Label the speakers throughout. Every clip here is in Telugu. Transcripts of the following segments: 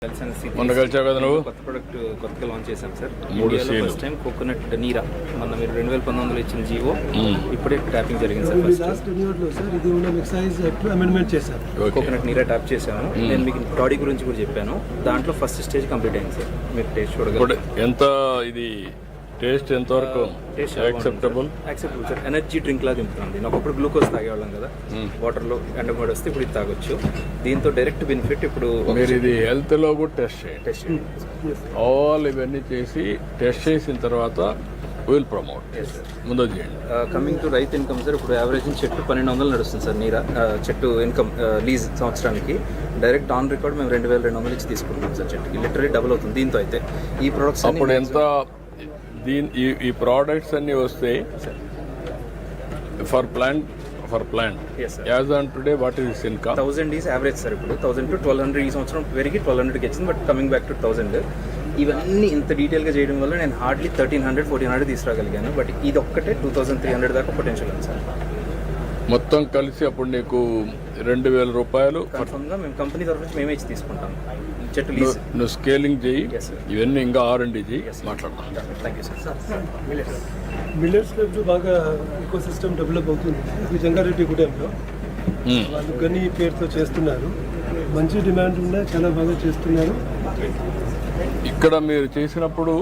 Speaker 1: మొన్న కలిసావు కదా నువ్వు?
Speaker 2: కొత్త ప్రొడక్ట్ కొత్తగా లాంచ్ చేశాం సార్.
Speaker 1: 3 సీలు
Speaker 2: ఫస్ట్ టైం కోకోనట్ నీరా మొన్న మీరు 2019లో ఇచ్చిన జీవో ఇప్పుడే ట్యాపింగ్ జరిగింది సార్. ఫస్ట్
Speaker 3: లాస్ట్ రిన్యూవల్లో సార్ ఇది మనం ఎక్సైజ్ యాక్ట్ అమెండ్మెంట్ చేశారు.
Speaker 2: కోకోనట్ నీరా ట్యాప్ చేశాను. నేను మీకు బాడీ గురించి కూడా చెప్పాను. దాంట్లో ఫస్ట్ స్టేజ్ కంప్లీట్ అయింది సార్. మీరు టేస్ట్ చూడగలరు.
Speaker 1: ఎంత ఇది టేస్ట్ ఎంతవరకు యాక్సెప్టబుల్
Speaker 2: సార్. ఎనర్జీ డ్రింక్ లాగా దింపుతుంది. నాకు అప్పుడు గ్లూకోజ్ తాగేవాళ్ళం కదా, వాటర్లో ఎండమూడి వస్తే ఇప్పుడు ఇది తాగొచ్చు. దీంతో డైరెక్ట్ బెనిఫిట్ ఇప్పుడు
Speaker 1: మీరు ఇది హెల్త్లో కూడా టెస్ట్ చేయండి. ఆల్ ఇవన్నీ చేసి టెస్ట్ చేసిన తర్వాత విల్ ప్రమోట్ ముందు చేయండి.
Speaker 2: కమింగ్ టు రైతు ఇన్కమ్ సార్, ఇప్పుడు యావరేజ్ చెట్టు 1200 నడుస్తుంది సార్. నీరా చెట్టు ఇన్కమ్ లీజ్ సంవత్సరానికి డైరెక్ట్ ఆన్ రికార్డ్ మేము 2200 ఇచ్చి తీసుకుంటున్నాం సార్. చెట్టుకి లిటరలీ డబుల్ అవుతుంది దీంతో అయితే. ఈ ప్రొడక్ట్స్
Speaker 1: అప్పుడు ఎంత ఈ ప్రోడక్ట్స్ అన్నీ వస్తే for plant as on today what is income
Speaker 2: 1000 is average sir. ఇప్పుడు 1000 to 1200 ఈ సంవత్సరం పెరిగి 1200కి వచ్చింది. బట్ కమింగ్ బ్యాక్ టు 1000 ఇవన్నీ ఇంత డీటెయిల్గా చేయడం వల్ల నేను హార్డ్లీ 1300-1400 తీసుకురాగలిగాను. బట్ ఇది ఒక్కటే 2300 దాకా పొటెన్షియల్ ఉంది సార్.
Speaker 1: మొత్తం కలిసి అప్పుడు నీకు 2000 రూపాయలు
Speaker 2: కన్ఫర్మ్గా మేము కంపెనీ తరఫు నుంచి మేమే ఇచ్చి తీసుకుంటాం. చెట్టు లీజ్
Speaker 1: నువ్వు స్కేలింగ్ చేయి, ఇవన్నీ ఇంకా R&D చేయి, మాట్లాడతాం.
Speaker 2: Thank you sir.
Speaker 3: మిల్లెట్స్లో ఇప్పుడు బాగా ఈకో సిస్టమ్ డెవలప్ అవుతుంది. ఇది జంగారెడ్డి గూడెంలో వాళ్ళు గని పేరుతో చేస్తున్నారు. మంచి డిమాండ్ ఉన్నాయి, చాలా బాగా చేస్తున్నారు.
Speaker 1: ఇక్కడ మీరు చేసినప్పుడు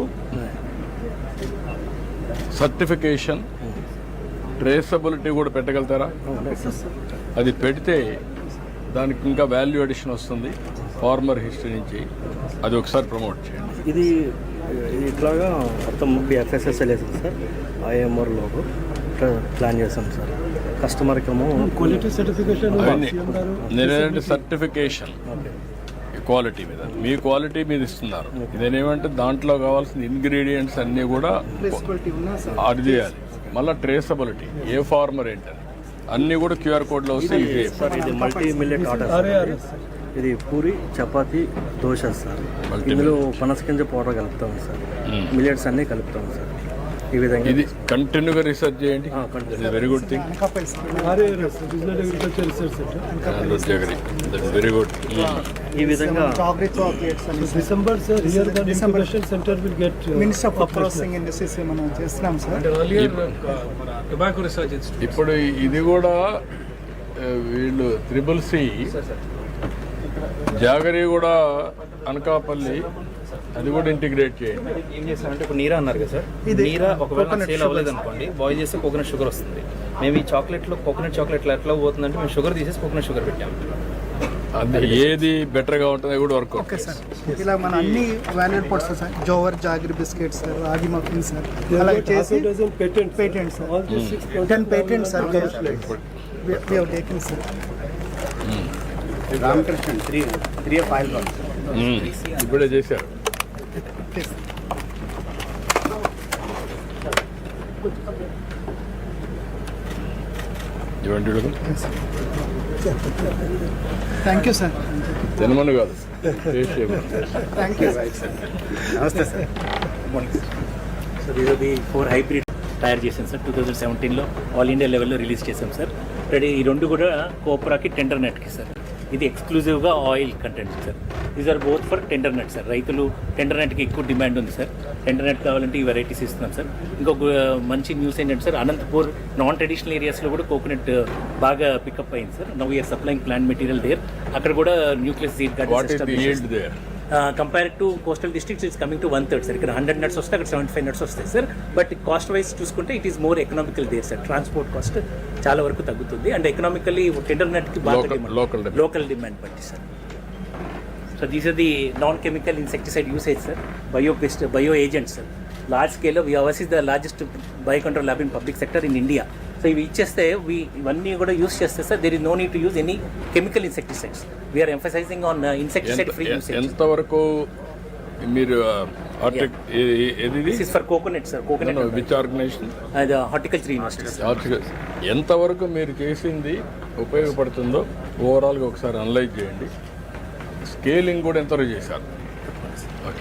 Speaker 1: సర్టిఫికేషన్ ట్రేసబిలిటీ కూడా పెట్టగలుగుతారా? అది పెడితే దానికి ఇంకా వాల్యూ అడిషన్ వస్తుంది ఫార్మర్ హిస్టరీ నుంచి. అది ఒకసారి ప్రమోట్ చేయండి.
Speaker 4: ఇది ఇట్లాగా మొత్తం FSSL వేసాం సార్. IMR లోగో ప్లాన్ చేసాం సార్. కస్టమర్కి ఏమో
Speaker 3: క్వాలిటీ సర్టిఫికేషన్
Speaker 1: నేనేంటే సర్టిఫికేషన్ క్వాలిటీ మీద మీ క్వాలిటీ మీద ఇస్తున్నారు. ఇదేనేమంటే దాంట్లో కావాల్సిన ఇంగ్రీడియంట్స్ అన్నీ కూడా అది చేయాలి. మళ్ళీ ట్రేసబిలిటీ ఏ ఫార్మర్ ఏంటని అన్నీ కూడా QR కోడ్లో వస్తే
Speaker 4: సార్. ఇది మల్టీ మిల్లెట్ ఆర్డర్. ఇది పూరి, చపాతీ, దోశ సార్. ఇందులో పనసగింజ పౌడర్ కలుపుతాం సార్. మిల్లెట్స్ అన్నీ కలుపుతాం సార్. ఈ విధంగా
Speaker 1: ఇది కంటిన్యూగా రీసెర్చ్ చేయండి. Very good thing. Very good.
Speaker 4: ఈ విధంగా
Speaker 3: December sir here the incubation centre will get
Speaker 5: minister of processing industries మనం చేస్తున్నాం సార్.
Speaker 2: టొబాకో రీసెర్చ్ ఇన్స్టిట్యూట్
Speaker 1: ఇప్పుడు ఇది కూడా వీళ్ళు CCC జాగరి కూడా అనకాపల్లి అది కూడా ఇంటిగ్రేట్ చేయండి.
Speaker 2: ఏం చేస్తారంటే ఇప్పుడు నీరా అన్నారు కదా సార్. నీరా ఒకవేళ సేల్ అవ్వలేదు అనుకోండి, బాయిల్ చేస్తే కోకోనట్ షుగర్ వస్తుంది. మేము ఈ చాక్లెట్లో కోకోనట్ చాక్లెట్లో ఎట్లా పోతుందంటే మేము షుగర్ తీసేసి కోకోనట్ షుగర్ పెట్టాము.
Speaker 1: అది ఏది బెటర్గా ఉంటుందో కూడా వర్క్.
Speaker 5: Okay sir. ఇలా మన అన్ని valued products sir. Jowar, jaggery biscuits sir, ragi muffin sir. అలాగే చేసి patent sir. 10 patents sir we have taken sir.
Speaker 6: Ramakrishna 3 file
Speaker 1: ఇప్పుడే చేశారు. ఇవ్వండి.
Speaker 5: Thank you sir.
Speaker 1: తినమని కాదు, టేస్ట్ చేయమని.
Speaker 5: Thank you.
Speaker 6: నమస్తే సార్.
Speaker 4: సార్ ఇది 4 హైబ్రిడ్ తయారు చేసాం సార్. 2017లో ఆల్ ఇండియా లెవెల్లో రిలీజ్ చేసాం సార్. రెడీ ఈ రెండు కూడా కోప్రాకి, టెండర్ నెట్కి సార్. ఇది ఎక్స్క్లూజివ్గా oil content sir. These are both for tender net sir. రైతులు టెండర్ నెట్కి ఎక్కువ డిమాండ్ ఉంది సార్. టెండర్ నెట్ కావాలంటే ఈ వెరైటీస్ ఇస్తున్నాం సార్. ఇంకొక మంచి న్యూస్ ఏంటంటే సార్, అనంతపూర్ నాన్ ట్రెడిషనల్ ఏరియాస్లో కూడా కోకోనట్ బాగా పికప్ అయింది sir. Now we're supplying plant material there. అక్కడ కూడా nucleus seed garden compare to coastal districts it's coming to 1/3 sir. ఇక్కడ 100 నట్స్ వస్తే అక్కడ 75 నట్స్ వస్తాయి సార్. బట్ కాస్ట్ వైజ్ చూసుకుంటే it is more economical there sir. Transport cost చాలా వరకు తగ్గుతుంది. అండ్ ఎకనామికల్లీ టెండర్ నెట్కి బాగా లోకల్ డిమాండ్ బట్టి sir. So these are the non chemical insecticide usage sir. Bio agents sir. Large స్కేల్లో ours is the largest bio control lab in public sector in India. So ఇవి ఇచ్చేస్తే ఇవన్నీ కూడా యూస్ చేస్తే sir there is no need to use any chemical insecticides. We're emphasizing on insecticide free usage.
Speaker 1: ఎంతవరకు మీరు
Speaker 4: for coconut sir. Coconut
Speaker 1: which organization?
Speaker 4: Horticulture university.
Speaker 1: ఎంతవరకు మీరు చేసింది ఉపయోగపడుతుందో ఓవరాల్గా ఒకసారి అనలైజ్ చేయండి. స్కేలింగ్ కూడా ఎంతవరకు చేశారు?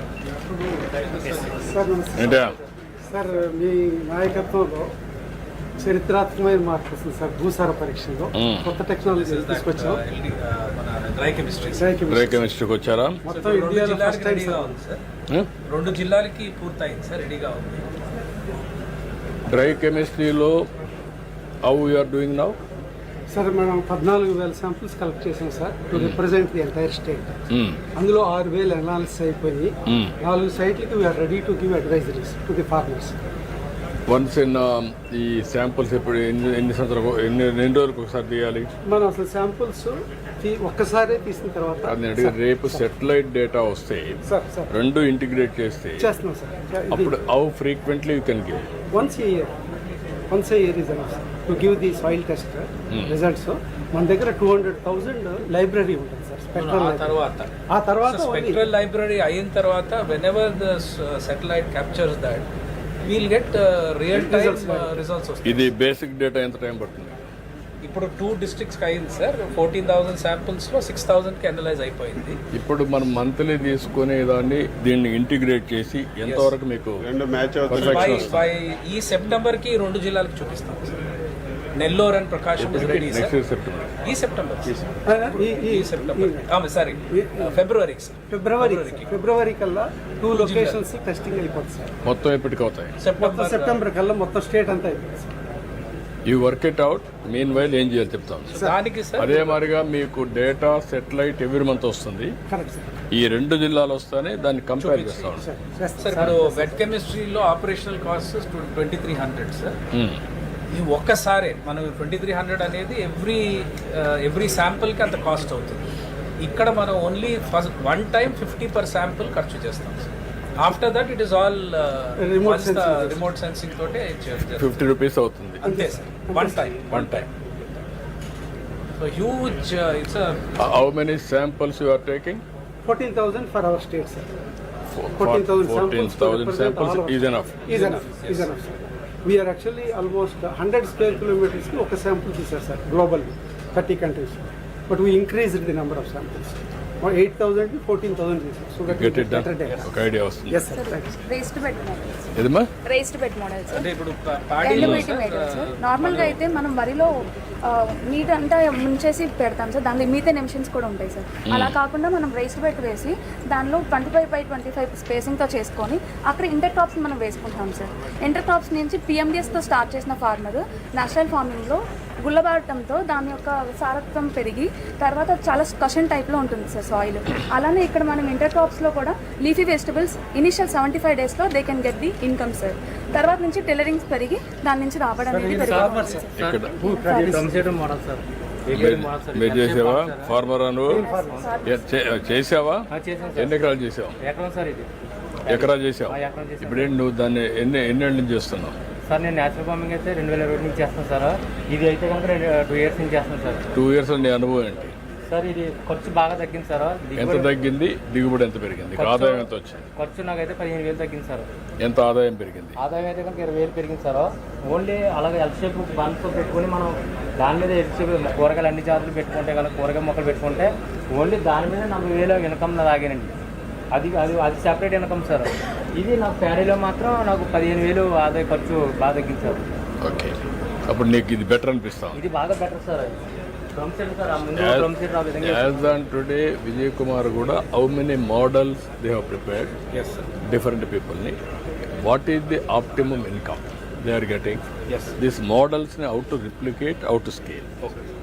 Speaker 5: సార్ మీ నాయకత్వంలో
Speaker 3: చరిత్రాత్మకమైన మార్పు వస్తుంది సార్ భూసార పరీక్షలో కొత్త టెక్నాలజీ తీసుకొచ్చాం.
Speaker 2: డ్రై కెమిస్ట్రీ
Speaker 1: డ్రై కెమిస్ట్రీకి వచ్చారా?
Speaker 3: మొత్తం ఇండియాలో ఫస్ట్ టైం సార్.
Speaker 2: రెండు జిల్లాలకి పూర్తయింది సార్, రెడీగా ఉంది.
Speaker 1: డ్రై కెమిస్ట్రీలో how you're doing now?
Speaker 3: Sir మనం 14,000 శాంపుల్స్ కలెక్ట్ చేసాం sir to represent the entire state. అందులో 6,000 అనాలిసిస్ అయిపోయి 4 సైట్లకి we're ready to give advisories to the farmers.
Speaker 1: Once in ఈ శాంపుల్స్ ఇప్పుడు ఎన్ని సంవత్సరాలు ఎన్ని రోజులకు ఒకసారి తీయాలి?
Speaker 3: మనం అసలు శాంపుల్స్ ఒక్కసారే తీసిన తర్వాత
Speaker 1: అది అడిగి రేపు సెటిలైట్ డేటా వస్తే
Speaker 3: సార్
Speaker 1: రెండు ఇంటిగ్రేట్ చేస్తే
Speaker 3: చేస్తున్నాం సార్.
Speaker 1: అప్పుడు how frequently you can give?
Speaker 3: Once a year is enough to give the soil test results. మన దగ్గర 200,000 లైబ్రరీ ఉంటుంది సార్ స్పెక్ట్రల్. ఆ తర్వాత
Speaker 7: స్పెక్ట్రల్ లైబ్రరీ అయిన తర్వాత whenever the satellite captures that we'll get real time results వస్తాయి.
Speaker 1: ఇది బేసిక్ డేటా ఎంత టైం పడుతుంది?
Speaker 7: ఇప్పుడు 2 డిస్ట్రిక్ట్స్కి అయింది సార్. 14,000 శాంపుల్స్లో 6,000కి అనలైజ్ అయిపోయింది.
Speaker 1: ఇప్పుడు మనం మంత్లీ తీసుకునే దాన్ని దీన్ని ఇంటిగ్రేట్ చేసి ఎంతవరకు మీకు perfection వస్తుంది?
Speaker 7: బై ఈ సెప్టెంబర్కి 2 జిల్లాలకు చూపిస్తాం sir. Nellore and Prakasam is ready sir.
Speaker 1: Next September
Speaker 7: ఈ సెప్టెంబర్ సారీ ఫిబ్రవరికి సార్.
Speaker 3: ఫిబ్రవరి కల్లా 2 లొకేషన్స్ టెస్టింగ్ అయిపోతుంది సార్.
Speaker 1: మొత్తం ఎప్పటికి అవుతాయి?
Speaker 3: సెప్టెంబర్ కల్లా మొత్తం స్టేట్ అంతా అయిపోతుంది sir.
Speaker 1: You work it out. Meanwhile ఏం చేయాలి చెప్తాం.
Speaker 7: దానికి సార్
Speaker 1: అదే మాదిరిగా మీకు డేటా సెటిలైట్ ఎవ్రీ మంత్ వస్తుంది.
Speaker 3: Correct sir.
Speaker 1: ఈ 2 జిల్లాలు వస్తానే దాన్ని కంపేర్ చేస్తాం.
Speaker 7: సార్ ఇప్పుడు వెట్ కెమిస్ట్రీలో ఆపరేషనల్ కాస్ట్ 2,300 సార్. ఈ ఒక్కసారే మనం 2,300 అనేది ఎవ్రీ శాంపుల్కి అంత కాస్ట్ అవుతుంది. ఇక్కడ మనం only first 1 time 50 per sample ఖర్చు చేస్తాం sir. After that it is all remote sensing తోటే
Speaker 1: 50 రూపీస్ అవుతుంది
Speaker 7: అంతే sir. One time so huge it's
Speaker 1: how many samples you are taking?
Speaker 3: 14,000 for our state sir.
Speaker 1: 14,000 samples is enough.
Speaker 3: Is enough sir. We are actually almost 100 square kilometers ki oka sample teaser sir globally 30 countries, but we increased the number of samples. 8,000 to 14,000 teaser, so that
Speaker 1: Get
Speaker 3: we
Speaker 1: it done.
Speaker 3: better data.
Speaker 1: ఒక ఐడియా వస్తుంది.
Speaker 3: Yes sir, thanks.
Speaker 8: Raised bed models.
Speaker 1: ఏదమ్మా?
Speaker 8: రేస్డ్ బెడ్ మోడల్స్
Speaker 7: అంటే ఇప్పుడు
Speaker 8: ఎండ్
Speaker 7: పాడీలో
Speaker 8: మీటింగ్ మెటీరియల్స్. నార్మల్గా అయితే మనం వరిలో నీట్ అంతా ముంచేసి పెడతాం సార్. దానిలో మీథేన్ ఎమిషన్స్ కూడా ఉంటాయి సార్. అలా కాకుండా మనం రేస్డ్ బెడ్ వేసి దానిలో 25/25 స్పేసింగ్తో చేసుకొని అక్కడ ఇంటర్ క్రాప్స్ మనం వేసుకుంటాం సార్. ఇంటర్ క్రాప్స్ నుంచి పిఎండిఎస్తో స్టార్ట్ చేసిన ఫార్మర్ నేచురల్ ఫార్మింగ్లో గుల్లబారటంతో దాని యొక్క సారత్వం పెరిగి తర్వాత చాలా కషన్ టైప్లో ఉంటుంది సార్ సాయిల్. అలానే ఇక్కడ మనం ఇంటర్ క్రాప్స్లో కూడా లీఫీ వెజిటబుల్స్ ఇనిషియల్ 75 daysలో they can get the income sir. తర్వాత నుంచి టైలరింగ్స్ పెరిగి దాని నుంచి రాబడి అనేది పెరిగి
Speaker 1: ఇక్కడ మీరు చేసావా ఫార్మర్? నువ్వు చేసావా? ఎన్ని ఎకరాలు చేసావు? ఎకరా చేసావు. ఇప్పుడేంటి నువ్వు దాన్ని ఎన్నేళ్ళ నుంచి చేస్తున్నావు?
Speaker 9: సార్ నేను నేచురల్ ఫార్మింగ్ అయితే 2020 నుంచి చేస్తాను సార్. ఇది అయితే కనుక 2 years నుంచి చేస్తాను సార్.
Speaker 1: 2 years నీ అనుభవం ఏంటి?
Speaker 9: సార్ ఇది ఖర్చు బాగా తగ్గింది సార్.
Speaker 1: ఎంత తగ్గింది? దిగుబడి ఎంత పెరిగింది? ఆదాయం ఎంత వచ్చింది?
Speaker 9: ఖర్చు నాకైతే 15,000 తగ్గింది సార్.
Speaker 1: ఎంత ఆదాయం పెరిగింది?
Speaker 9: ఆదాయం అయితే కనుక 20,000 పెరిగింది సార్. ఓన్లీ అలాగే ఎల్ షేప్ బండ్తో పెట్టుకుని మనం దాని మీద ఎల్ షేప్ కూరగాయలు అన్ని జాతులు పెట్టుకుంటే కనుక కూరగాయ మొక్కలు పెట్టుకుంటే ఓన్లీ దాని మీద 40,000 ఇన్కమ్ తాగానండి. అది సెపరేట్ ఇన్కమ్ సార్. ఇది నాకు ప్యాడీలో మాత్రం నాకు 15,000 ఆదాయ ఖర్చు బాగా తగ్గింది సార్.
Speaker 1: ఓకే, అప్పుడు నీకు ఇది బెటర్ అనిపిస్తాం?
Speaker 9: ఇది బాగా better sir. Drum set sir. Drum set ఆ విధంగా
Speaker 1: as on today Vijay Kumar కూడా how many models they have prepared different పీపుల్ని. What is the optimum income they are getting? This మోడల్స్ని how to replicate, how to scale.